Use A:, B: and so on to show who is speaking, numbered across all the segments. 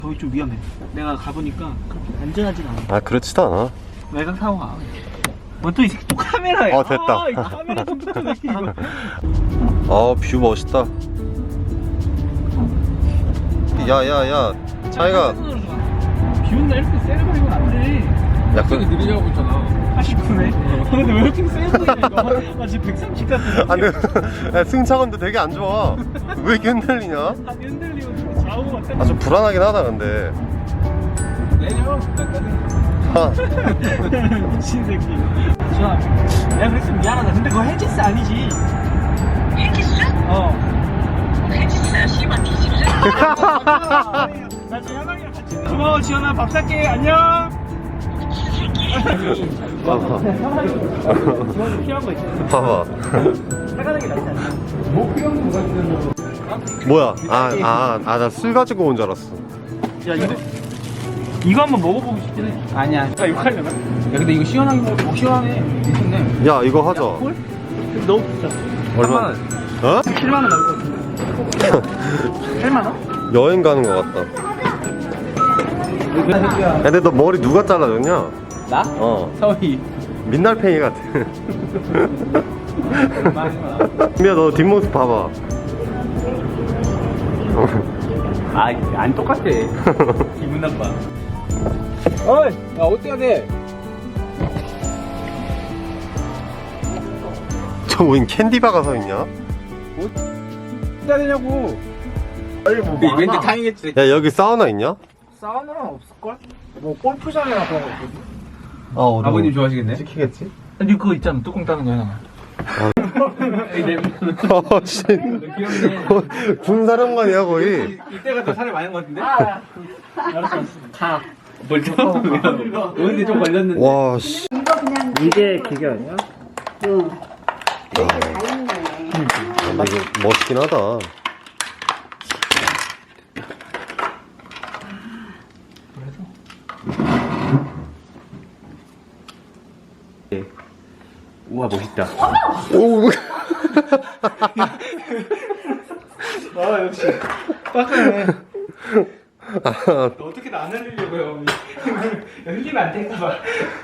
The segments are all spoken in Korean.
A: 거기 좀 위험해. 내가 가보니까 그렇게 안전하진 않아.
B: 아 그렇지도 않아.
A: 외곽 사고가. 뭐 또 이 새끼 또 카메라야.
B: 됐다.
A: 이 카메라 컴퓨터 새끼 이거.
B: 뷰 멋있다. 야야야 차이가.
A: 비 온다 이렇게 세게 버리면 안 돼.
B: 야 그.
C: 느리냐고 있잖아.
A: 89네. 근데 왜 이렇게 세 보이냐 이거. 나 지금 130 같은데.
B: 아니 야, 승차감도 되게 안 좋아. 왜 이렇게 흔들리냐?
A: 한 흔들리고 좌우가 세.
B: 아 좀 불안하긴 하다 근데.
C: 내려.
A: 미친 새끼. 지현아, 내가 그랬으면 미안하다. 근데 그거 헬지스 아니지.
D: 헬기스? 헬기스야 씨발 뒤집어.
A: 나 지금 현아이랑 같이. 고마워 지현아. 밥 살게. 안녕. 지원이 필요한 거 있어.
B: 봐봐.
A: 사가는 게 낫지 않나?
C: 뭐 필요한 거 뭐가 있는
B: 뭐야? 나 술 가지고 온 줄 알았어.
A: 야 이거 한번 먹어보고 싶긴 해. 아니야. 나 이거 하려나?
C: 야 근데 이거 시원하게 먹어. 시원해. 괜찮네.
B: 야 이거 하자.
A: 콜? 너무 비싸.
B: 얼마? 어?
A: 7만 원 나올 것 같은데. 8만 원?
B: 여행 가는 것 같다. 야, 근데 너 머리 누가 잘라줬냐?
C: 나? 서희.
B: 민날팽이 같아. 미야 너 뒷모습 봐봐.
A: 안 똑같아. 기분 나빠.
C: 어이. 야 어때야 돼?
B: 저 뭐인 캔디바가 서 있냐?
C: 어때야 되냐고.
A: 빨리 뭐
C: 왠지 다행이겠지.
B: 야 여기 사우나 있냐?
A: 사우나는 없을걸? 뭐 골프장이나 그런 거 있거든.
C: 아버님 좋아하시겠네.
B: 시키겠지?
A: 근데 그거 있잖아. 뚜껑 따는 거 하나만.
B: 씨.
C: 귀엽네.
B: 군사령관이야 거의.
C: 이때가 더 살이 많은 것 같은데?
A: 알았어. 가.
C: 뭘 좀. 오는데 좀 걸렸는데.
B: 와 씨.
E: 이거 그냥
A: 이게 기계 아니야?
E: 응. 이렇게 다 있네.
B: 근데 이거 멋있긴 하다.
C: 우와 멋있다.
B: 오.
A: 아 역시. 빡가네.
B: 아,
A: 어떻게 나 안 흘리려고요? 흘리면 안 될까봐.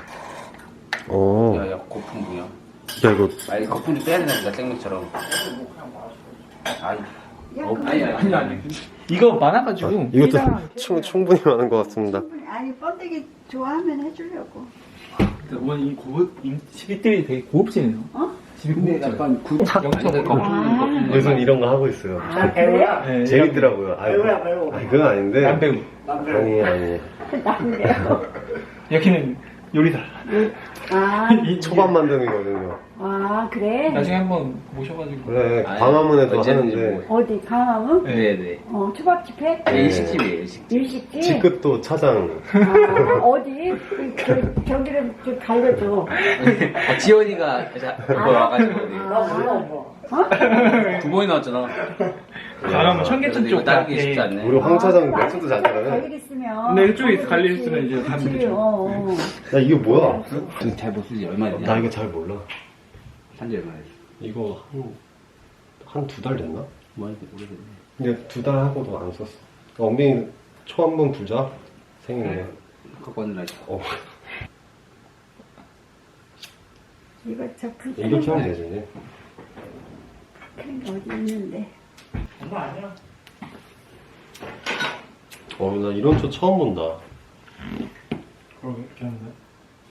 B: 어.
C: 야야 거품 뭐야?
B: 야 이거
C: 아니 거품 좀 빼야 된다 생맥처럼. 아니. 아니.
A: 이거 많아가지고.
B: 이것도 충분히 많은 것 같습니다.
E: 아니 번데기 좋아하면 해주려고.
A: 오늘 이 집이들이 되게 고급지네요.
E: 어?
A: 집이
C: 근데
A: 고급져.
C: 약간 영적인 거품.
B: 요즘 이런 거 하고 있어요.
E: 아 그래?
A: 네,
B: 재밌더라고요.
E: 배우야, 배우.
B: 그건 아닌데.
A: 남배우.
B: 아니.
E: 난데요.
A: 여기는 요리사.
E: 아,
B: 이 초밥 만드는거든요.
E: 아 그래?
A: 나중에 한번 모셔가지고.
B: 그래
C: 아니,
B: 광화문에도
C: 언제든지
B: 하는데
E: 어디 강화문?
C: 네네.
E: 초밥집 해?
C: 일식집이에요 일식.
E: 일식집?
B: 직급도 차장.
E: 아, 어디? 저기를 좀 갈려줘.
C: 지원이가 그거 와가지고 두 번이 나왔잖아.
A: 강화문 청계천 쪽
C: 따르기
A: 앞에.
C: 쉽지 않네.
B: 우리 황 차장 맥주도 잘
E: 갈
B: 따라네.
E: 일 있으면.
A: 근데 이쪽에 갈 일 있으면 이제 가면
E: 그치,
A: 되죠.
B: 야 이게 뭐야?
C: 잘못 쓰지 얼마 됐냐?
B: 나 이거 잘 몰라.
C: 산지 얼마 됐어?
B: 이거 한 두 달 됐나?
C: 많이 오래됐네.
B: 근데 두 달 하고도 안 썼어. 엉덩이 초 한 번 불자. 생일에.
C: 갖고 왔느라 했어.
E: 이거 저
B: 이렇게 하면 되지.
E: 큰 거 어디 있는데.
A: 장난 아니야.
B: 나 이런 초 처음 본다.
A: 그러게, 이렇게 하는 거야?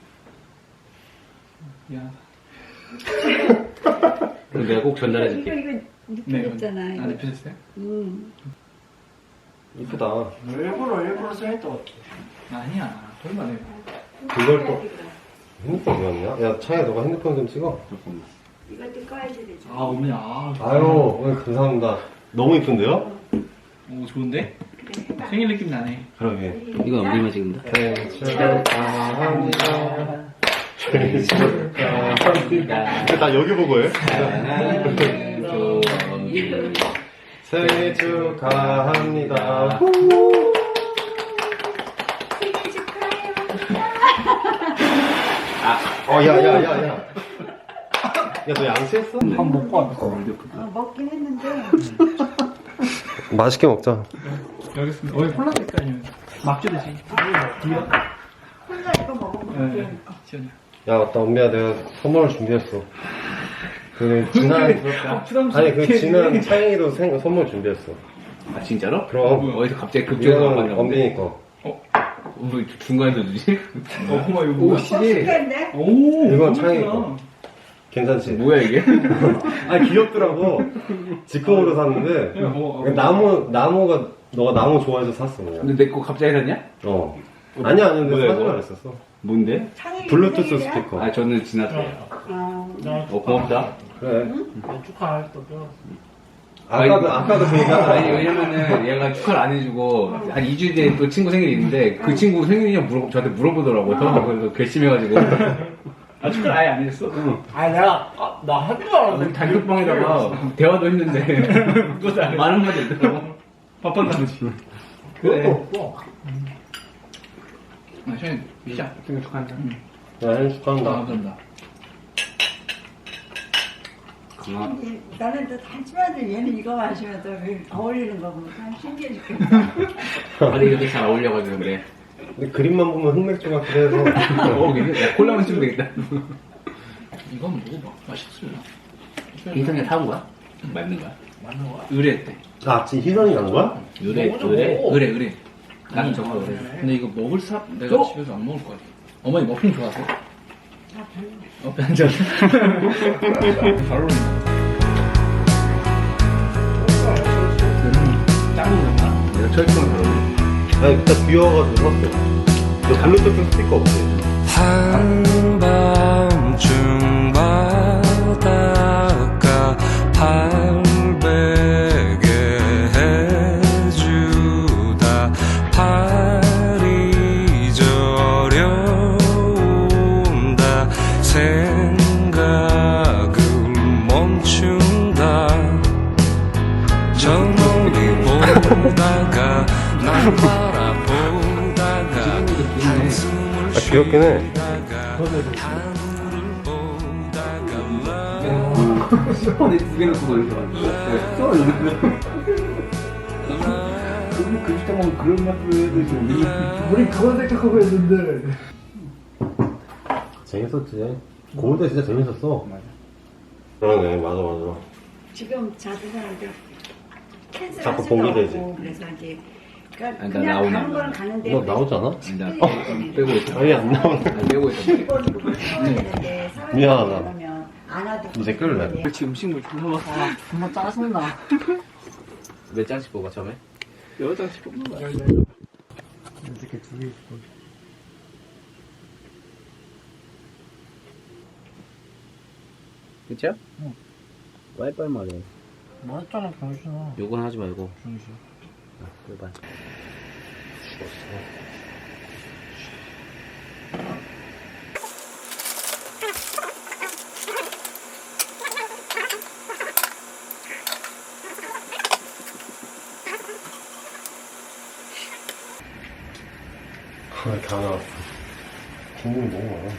A: 미안하다.
C: 그럼 내가 꼭 전달해줄게.
E: 이거 눕혀졌잖아. 이거.
A: 눕혀졌어요?
B: 이쁘다.
A: 일부러 써했던 것 같아. 아니야. 얼마나 해.
B: 그걸 또 핸드폰 왜왔냐? 야 차야 너가 핸드폰 좀 찍어.
C: 조금.
E: 이것도 꺼야지 되죠.
A: 아, 언니,
B: 아유 오늘 감사합니다. 너무 이쁜데요?
A: 오, 좋은데? 생일 느낌 나네.
B: 그러게.
C: 이건 엉덩이만 찍는다.
B: 생일 축하합니다. 생일 축하합니다. 나 여기 보고 해. 생일 축하합니다. 야야야야. 야 너 양치했어?
A: 밥 먹고 왔어.
E: 먹긴 했는데.
B: 맛있게 먹자.
A: 여기 있습니다. 콜라 색깔이면. 막주듯이. 뒤에.
E: 혼자 이거 먹으면
A: 네.
E: 되니까.
A: 시원해.
B: 야 맞다 엄미야 내가 선물을 준비했어. 그 지난 아니 그 지난 창의도 선물 준비했어.
C: 아 진짜로?
B: 그럼
C: 어디서 갑자기 급조해서 안
B: 이거는
C: 봤나
B: 엄빈이 거.
C: 뭐 중간에서 주지?
A: 고마워, 이거
C: 오
A: 뭐야?
C: 시계
E: 맛있겠네?
A: 오!
B: 이건
A: 너무
B: 창의
A: 예쁘다.
B: 거. 괜찮지?
C: 뭐야 이게?
B: 아 귀엽더라고. 직공으로 샀는데 나무가 너가 나무 좋아해서 샀어 그냥.
C: 근데 내 거 갑자기 샀냐?
B: 아니야 근데
C: 뭐야,
B: 사진
C: 이거?
B: 안 했었어.
C: 뭔데?
E: 창의
B: 블루투스
E: 생일이야?
B: 스피커.
C: 아 저는 지났어요.
E: 아,
C: 고맙다.
B: 그래.
A: 축하할 또 뼈.
B: 아까도 그 얘기하더라.
C: 아니 왜냐면은 얘가 축하를 안 해주고 한 2주 뒤에 또 친구 생일이 있는데 그 친구 생일이냐 저한테 물어보더라고요. 그래서 결심해가지고
A: 아, 축하를 아예 안 했어? 응. 아, 내가, 나 한 줄 알았는데.
C: 단톡방에다가 대화도 했는데
A: 그것도 안 해.
C: 말 한마디 했더라고.
A: 바빴나 보지.
B: 그래.
A: 없고. 아, 션이 피자. 생일 축하한다.
B: 야, 형 축하한다.
A: 감사합니다.
E: 나는 또 하지만 얘는 이거 마시면 또 어울리는 거 보면 참 신기해 죽겠다.
C: 아니 이렇게 잘 어울려가지고 근데
B: 근데 그림만 보면 흑맥주 같기도 해서.
C: 괜찮아. 야 콜라만 치면 되겠다.
A: 이건 먹어봐. 맛있어요.
C: 인터넷 사온 거야? 맞는 거야?
A: 맞는 거야?
C: 의뢰했대.
B: 아, 지금 희선이 간 거야?
C: 의뢰. 나는 저거 의뢰.
A: 근데 이거 먹을 내가 집에서 안 먹을 것 같아. 어머니 머핀 좋아하세요? 앉아. 잘 어울린다. 짱구 같나?
C: 내가 철저한 잘 어울려.
B: 아니, 그때 비워가지고 샀어. 너 블루투스 스피커 없지?
F: 한밤중 바닷가 발베개 해주다 팔이 저려온다 생각을 멈춘다 저 멀리 보다가 날 바라보다가 한숨을
B: 아, 귀엽긴 해.
C: 스폰에 두개 넣고 놀죠.
A: 우리 그 시대 보면 그런 맛도 해도 우리 그건 생각하고 했는데.
B: 재밌었지. 고올 때 진짜 재밌었어.
A: 맞아.
B: 그러네, 맞아.
E: 지금 자주 사는데 캔슬
B: 자꾸
E: 하지도
B: 봉기되지.
E: 않고 그래서 이제 그러니까
C: 아니, 나
E: 그냥
C: 나오나?
E: 가는 거는 가는데
B: 너 나오지 않아?
C: 나 빼고 있어.
B: 아예 안 나오네.
C: 빼고 있어.
E: 일본으로 사왔는데
B: 미안하다.
E: 그러면 안 와도
B: 이제 끌래.
A: 그렇지, 음식물 존나 정말 짜증나.
C: 몇 장씩 뽑아 처음에?
A: 여자씩 뽑는 거야. 이렇게 두 개.
C: 그쵸? 응. 와이파이 말해.
A: 맞잖아, 병신아.
C: 요건 하지 말고.
A: 병신.
C: 일반.
B: 다 나왔어. 국물이 너무 많아.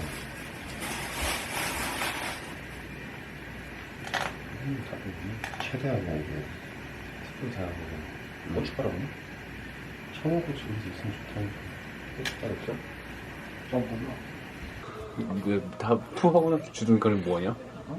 B: 최대한 이게 특별 잘하고 고춧가루는? 청양고추 있으면 좋다니까. 고춧가루 없어?
C: 이거 다 푸하고 나서 주둔 거는 뭐냐?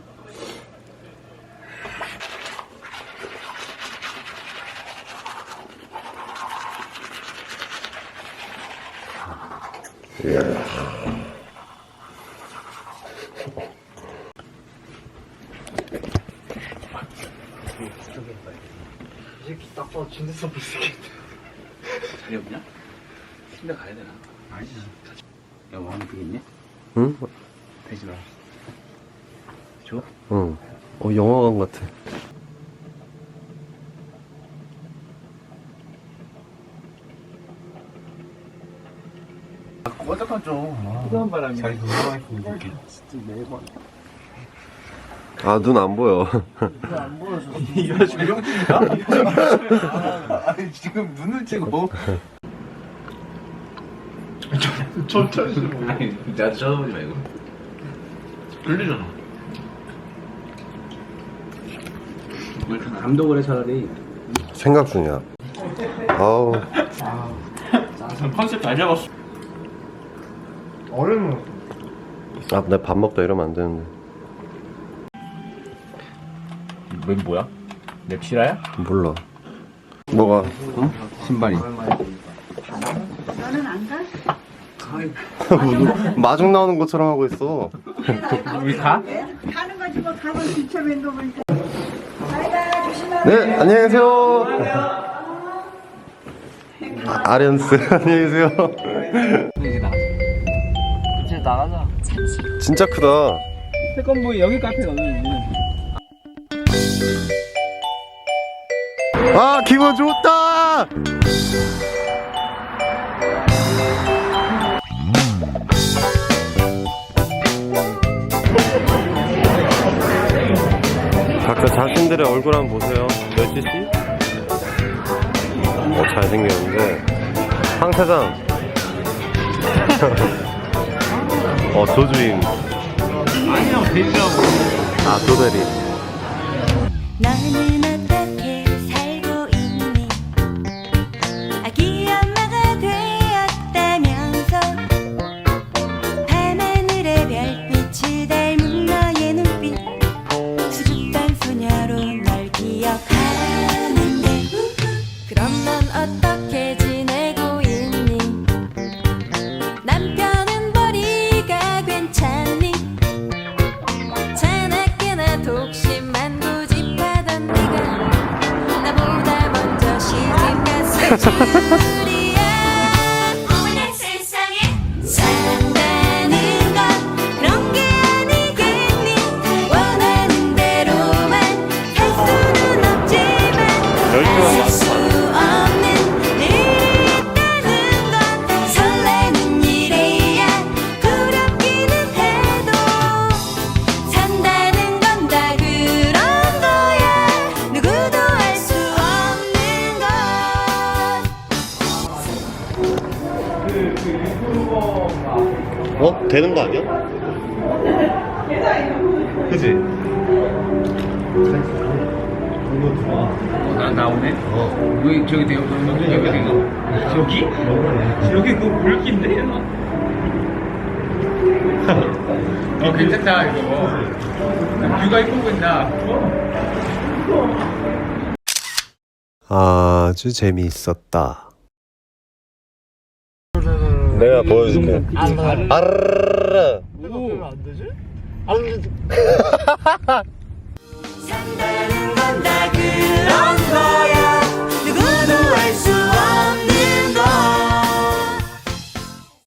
A: 이 새끼 딱 봐도 진짜 써볼 새끼.
C: 자리 없냐? 침대 가야 되나? 아니지. 야, 뭐 하나 되겠냐?
B: 응?
C: 되지 마. 줘?
B: 응. 영화관 같아.
A: 어떡한 좀. 뜨거운 바람이. 잘 건강했으면 좋겠다. 진짜 매번.
B: 아, 눈 안 보여.
A: 안 보여서. 이거 지금 형님인가? 아니, 지금 눈을 찍고. 천천히 좀.
C: 아니, 나도 쳐다보지 말고.
A: 들리잖아.
C: 왜 이렇게 감독을 해 차라리.
B: 생각 중이야. 아우.
G: 컨셉 잘 잡았어.
A: 얼음.
B: 아, 내 밥 먹다 이러면 안 되는데.
C: 왜 뭐야? 랩실화야?
B: 몰라. 뭐가?
C: 신발이.
E: 너는 안 가?
B: 마중 나오는 것처럼 하고 있어.
C: 우리 가?
E: 가는 거지 뭐 가면 뒤쳐맨 거 보니까. 바이바이 조심하고.
B: 네, 안녕히 계세요. 아련스, 안녕히 계세요.
G: 이제 나가자.
B: 진짜 크다.
G: 태권보이 여기 카페거든.
B: 아, 기분 좋다! 각자 자신들의 얼굴 한번 보세요. 몇 cc? 잘생겼는데. 황 사장. 조주인.
G: 아니야, 대리라고.
B: 아, 조대리.
H: 너는 어떻게 살고 있니? 아기 엄마가 되었다면서 밤하늘의 별빛을 닮은 너의 눈빛 수줍던 소녀로 널 기억하는데 그럼 넌 어떻게 지내고 있니? 남편은 머리가 괜찮니? 자나깨나 독심만 고집하던 네가 나보다 먼저 시집갔을 줄이야. 오늘 세상에 산다는 건 그런 게 아니겠니? 원하는 대로만 살 수는 없지만 살 수 없는 일이 있다는 건 설레는 일이야. 부럽기는 해도 산다는 건 다 그런 거야. 누구도 알 수 없는 것.
B: 되는 거 아니야? 그치?
C: 나오네? 여기, 저기 되고, 여기 되고.
G: 여기? 여기 그 물기인데?
C: 괜찮다, 이거. 뷰가 이쁘고 있나?
B: 아주 재미있었다. 내가 보여줄게. 아르르르.
H: 산다는 건 다 그런 거야.